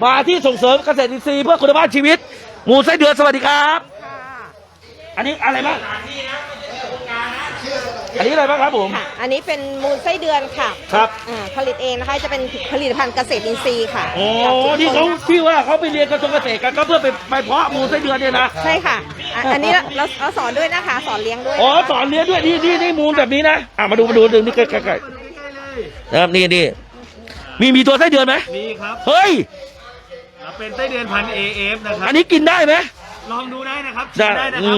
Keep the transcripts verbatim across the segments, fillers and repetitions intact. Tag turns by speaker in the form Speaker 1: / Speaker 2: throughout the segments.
Speaker 1: มาที่ส่งเสริมเกษตรอินทรีย์เพื่อคุณภาพชีวิตหมูไส้เดือนสวัสดีครับอันนี้อะไรบ้างอันนี้อะไรบ้างครับผม
Speaker 2: ค่ะอันนี้เป็นมูลไส้เดือนค่ะ
Speaker 1: ครับ
Speaker 2: อ่าผลิตเองนะคะจะเป็นผลิตภัณฑ์เกษตรอินทรีย์ค่ะ
Speaker 1: โอ้ที่เขาที่ว่าเขาไปเรียนกระทรวงเกษตรกันก็เพื่อไปไปเพาะมูลไส้เดือนเนี่ยนะ
Speaker 2: ใช่ค่ะอ่ะอันนี้เราเราสอนด้วยนะคะสอนเลี้ยงด้วย
Speaker 1: อ๋อสอนเลี้ยงด้วยนี่นี่นี่มูลแบบนี้นะอ่ะมาดูมาดูดึงนี่ใกล้ใกล้ใกล้นะครับนี่นี่มีมีตัวไส้เดือนไหม
Speaker 3: มีครับ
Speaker 1: เฮ้ย
Speaker 3: เป็นไส้เดือนพัน เอ เอฟ นะครับ
Speaker 1: อันนี้กินได้ไหม
Speaker 3: ลองดูได้นะครับกินได้นะครับ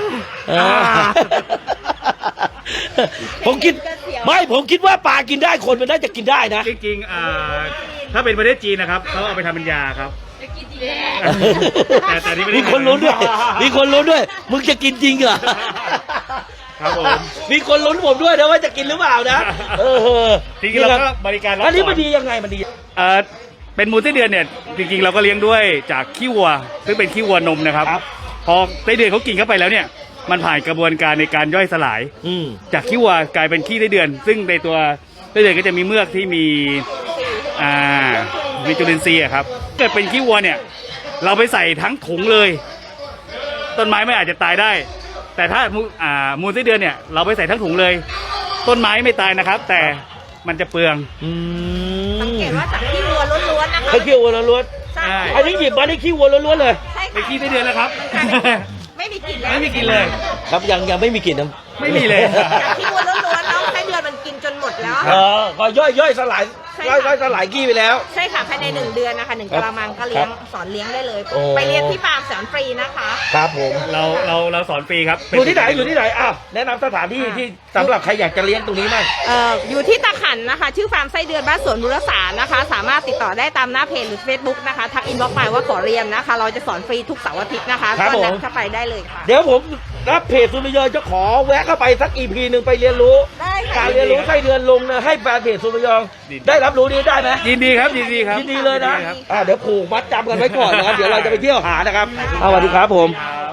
Speaker 1: ผมคิดไม่ผมคิดว่าปลากินได้คนมันน่าจะกินได้นะ
Speaker 3: จริงๆอ่าถ้าเป็นประเทศจีนนะครับเขาเอาไปทำเป็นยาครับแต่แต่นี่ไม่ได้
Speaker 1: มีคนรู้ด้วยมีคนรู้ด้วยมึงจะกินจริงเหรอ
Speaker 3: ครับผม
Speaker 1: มีคนลุ้นผมด้วยนะว่าจะกินหรือเปล่านะเออ
Speaker 3: จริงๆเราก็บริการ
Speaker 1: อันนี้มันดียังไงมันดี
Speaker 3: เออเป็นมูลไส้เดือนเนี่ยจริงๆเราก็เลี้ยงด้วยจากขี้วัวซึ่งเป็นขี้วัวนมนะครับพอไส้เดือนเขากินเข้าไปแล้วเนี่ยมันผ่านกระบวนการในการย่อยสลายจากขี้วัวกลายเป็นขี้ไส้เดือน ซึ่งในตัวไส้เดือนก็จะมีเมือกที่มีอ่ามีจุลินทรีย์ครับเกิดเป็นขี้วัวเนี่ยเราไปใส่ทั้งถุงเลยต้นไม้ไม่อาจจะตายได้แต่ถ้าอ่ามูลไส้เดือนเนี่ยเราไปใส่ทั้งถุงเลยต้นไม้ไม่ตายนะครับแต่มันจะเปลือง
Speaker 2: สังเกตว่าจากขี้วัวล้วนๆนะคะ
Speaker 1: ขี้วัวล้วนๆใช่อันนี้หยิบมาได้ขี้วัวล้วนๆเลย
Speaker 3: เป็นขี้ไส้เดือนแล้วครับ
Speaker 2: ไม่มีกลิ่น
Speaker 3: ไม่มีกลิ่นเลย
Speaker 1: ครับยังยังไม่มีกลิ่นนะ
Speaker 3: ไม่มีเลย
Speaker 2: จากขี้วัวล้วนๆแล้วไส้เดือนมันกินจนหมดแล้ว
Speaker 1: เออก็ย่อยย่อยสลายย่อยย่อยสลายขี้ไปแล้ว
Speaker 2: ใช่ค่ะภายในหนึ่งเดือนนะคะหนึ่งกะละมังก็เลี้ยงสอนเลี้ยงได้เลยไปเรียนที่ฟาร์มสอนฟรีนะคะ
Speaker 1: ครับผม
Speaker 3: เราเราเราสอนฟรีครับ
Speaker 1: อยู่ที่ไหนอยู่ที่ไหนอ้าวแนะนำสถานที่ที่สำหรับใครอยากจะเลี้ยงตรงนี้บ้าง
Speaker 2: เอ่ออยู่ที่ตะขันนะคะชื่อฟาร์มไส้เดือนบ้านสวนบุรสารนะคะสามารถติดต่อได้ตามหน้าเพจหรือ เฟซบุ๊ก นะคะทักอินบ็อกซ์มาว่าขอเรียนนะคะเราจะสอนฟรีทุกเสาร์อาทิตย์นะคะก็นัดเข้าไปได้เลยค่ะ
Speaker 1: เดี๋ยวผมรับเพจสุริยนต์จะขอแวะเข้าไปสักอีพีหนึ่งไปเรียนรู้การเรียนรู้ไส้เดือนลงนะให้แฟนเพจสุริยนต์ได้รับรู้นี้ได้ไหม
Speaker 3: ยินดีครับยินดีครับ
Speaker 1: ยินดีเลยนะอ่าเดี๋ยวผูกมัดจำกันไว้ก่อนนะครับเดี๋ยวเราจะไปเที่ยวหานะครับสวัสดีครับผม